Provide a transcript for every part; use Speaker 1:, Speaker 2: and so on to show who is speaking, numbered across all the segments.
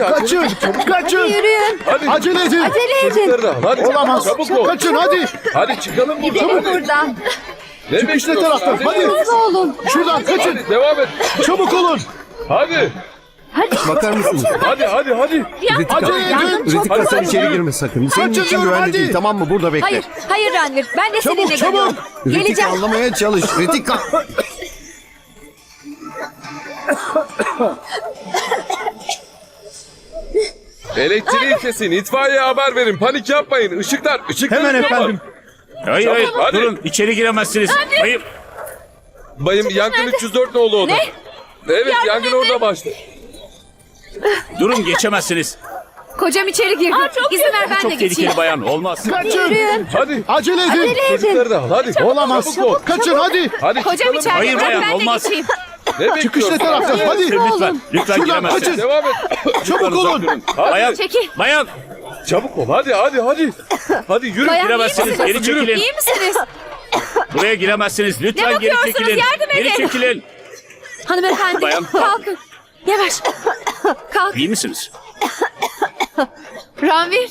Speaker 1: Kaçın! Kaçın!
Speaker 2: Yürüyün.
Speaker 3: Hadi.
Speaker 1: Acele edin!
Speaker 2: Acele edin.
Speaker 3: Çocukları da al. Hadi.
Speaker 1: Olamaz!
Speaker 3: Çabuk ol.
Speaker 1: Kaçın hadi!
Speaker 3: Hadi çıkalım buradan.
Speaker 2: Gidelim
Speaker 3: Hadi.
Speaker 2: buradan.
Speaker 3: Ne
Speaker 1: Çıkış ne
Speaker 3: bekliyorsun?
Speaker 1: taraftan? Hadi!
Speaker 2: Hızlı olun.
Speaker 1: Şuradan kaçın!
Speaker 3: Hadi devam et.
Speaker 1: Çabuk olun!
Speaker 3: Hadi.
Speaker 4: Bakar mısınız?
Speaker 3: Hadi.
Speaker 1: Acele edin!
Speaker 4: Ritika sen içeri girme sakın. Senin
Speaker 1: Kaçın
Speaker 4: için
Speaker 1: diyorum,
Speaker 4: güvenli
Speaker 1: hadi.
Speaker 4: değil, tamam mı? Burada bekle.
Speaker 2: Hayır Ranvir. Ben de
Speaker 1: Çabuk,
Speaker 2: seninle
Speaker 1: çabuk.
Speaker 2: geliyorum.
Speaker 4: Ritika
Speaker 2: Geleceğim.
Speaker 4: anlamaya çalış. Ritika.
Speaker 3: Elektriği kesin. İtfaiyeye haber verin. Panik yapmayın. Işıklar.
Speaker 5: Hemen
Speaker 3: kapat.
Speaker 5: efendim. Hayır hayır
Speaker 3: Hadi.
Speaker 5: durun içeri giremezsiniz. Hayır.
Speaker 3: Bayım yangın 304 nolu oda. Evet yangın orada başladı.
Speaker 5: Durun geçemezsiniz.
Speaker 2: Kocam içeri girdi. İzin ver ben de
Speaker 5: Çok
Speaker 2: geçeyim.
Speaker 5: tehlikeli bayan olmaz.
Speaker 1: Kaçın!
Speaker 2: Yürüyün.
Speaker 3: Hadi.
Speaker 1: Acele edin!
Speaker 2: Acele edin.
Speaker 3: Çocukları da al. Hadi.
Speaker 1: Olamaz!
Speaker 3: Çabuk ol.
Speaker 1: Kaçın hadi!
Speaker 3: Hadi
Speaker 2: Kocam
Speaker 3: çıkalım.
Speaker 2: içeride.
Speaker 5: Hayır
Speaker 2: Bırak
Speaker 5: bayan,
Speaker 2: ben de
Speaker 5: olmaz.
Speaker 2: geçeyim.
Speaker 3: Ne
Speaker 1: Çıkış ne
Speaker 3: bekliyorsun?
Speaker 1: taraftan? Hadi!
Speaker 5: Lütfen lütfen
Speaker 1: Şuradan
Speaker 5: giremezsiniz.
Speaker 1: kaçın.
Speaker 3: Devam et.
Speaker 1: Çabuk olun!
Speaker 5: Bayan,
Speaker 2: Çekil.
Speaker 5: bayan
Speaker 3: Çabuk ol. Hadi. Hadi yürü.
Speaker 2: Bayan,
Speaker 5: giremezsiniz.
Speaker 2: iyi misiniz?
Speaker 5: Geri çekilin.
Speaker 2: İyi misiniz?
Speaker 5: Buraya giremezsiniz. Lütfen
Speaker 2: Ne
Speaker 5: geri
Speaker 2: bakıyorsunuz?
Speaker 5: çekilin.
Speaker 2: Yardım
Speaker 5: Geri
Speaker 2: edin.
Speaker 5: çekilin.
Speaker 2: Hanımefendi
Speaker 5: Bayan.
Speaker 2: kalkın. Yavaş. Kalk.
Speaker 5: İyi misiniz?
Speaker 2: Ranvir.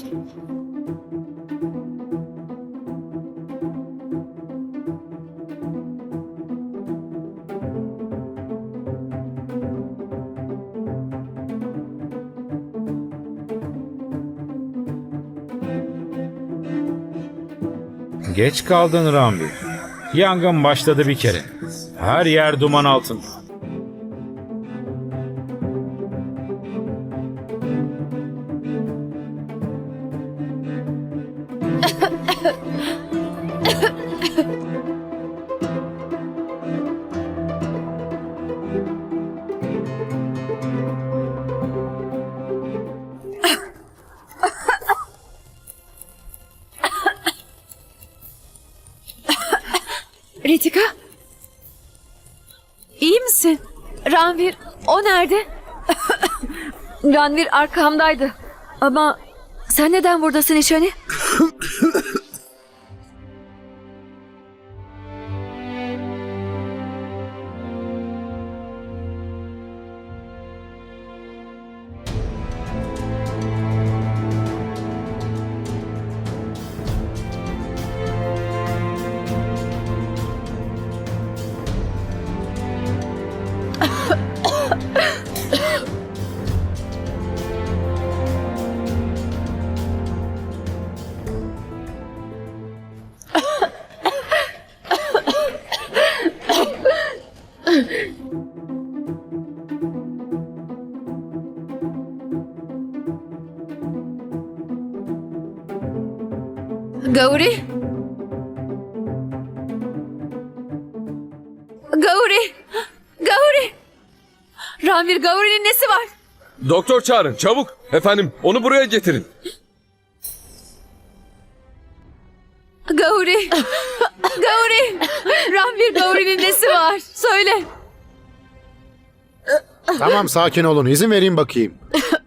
Speaker 6: Geç kaldın Ranvir. Yangın başladı bir kere. Her yer duman altında.
Speaker 2: Ritika. İyi misin? Ranvir o nerede? Ranvir arkamdaydı. Ama sen neden buradasın İşani? Gauri? Gauri! Gauri! Ranvir, Gauri'nin nesi var?
Speaker 3: Doktor çağırın. Çabuk. Efendim onu buraya getirin.
Speaker 2: Gauri! Gauri! Ranvir, Gauri'nin nesi var? Söyle.
Speaker 1: Tamam sakin olun. İzin vereyim bakayım.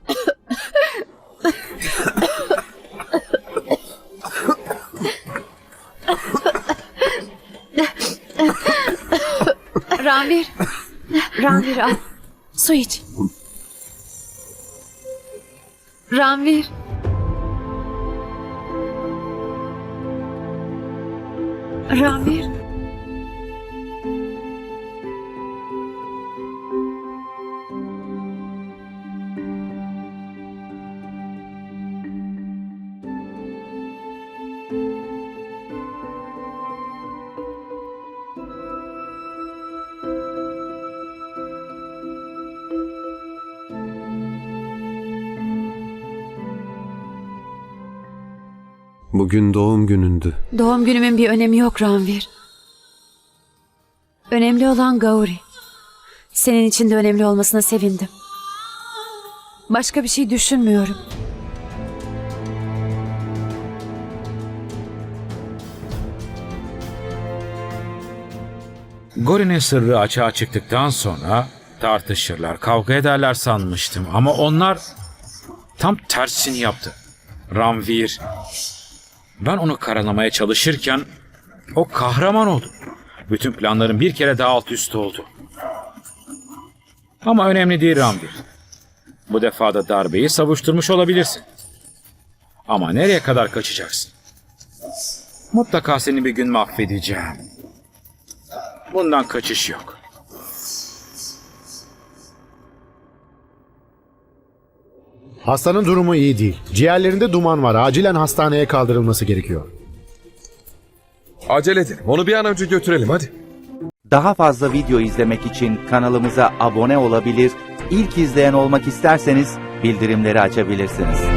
Speaker 2: Ranvir. Ranvir al. Su iç. Ranvir. Ranvir.
Speaker 4: Bugün doğum günündü.
Speaker 2: Doğum günümün bir önemi yok Ranvir. Önemli olan Gauri. Senin için de önemli olmasına sevindim. Başka bir şey düşünmüyorum.
Speaker 6: Gauri'nin sırrı açığa çıktıktan sonra tartışırlar, kavga ederler sanmıştım. Ama onlar tam tersini yaptı. Ranvir, ben onu karalamaya çalışırken o kahraman oldu. Bütün planların bir kere daha alt üst oldu. Ama önemli değil Ranvir. Bu defa da darbeyi savuşturmuş olabilirsin. Ama nereye kadar kaçacaksın? Mutlaka seni bir gün mahvedeceğim. Bundan kaçış yok.
Speaker 1: Hastanın durumu iyi değil. Ciğerlerinde duman var. Acilen hastaneye kaldırılması gerekiyor.
Speaker 3: Acele edelim. Onu bir an önce götürelim hadi.
Speaker 7: Daha fazla video izlemek için kanalımıza abone olabilir, ilk izleyen olmak isterseniz bildirimleri açabilirsiniz.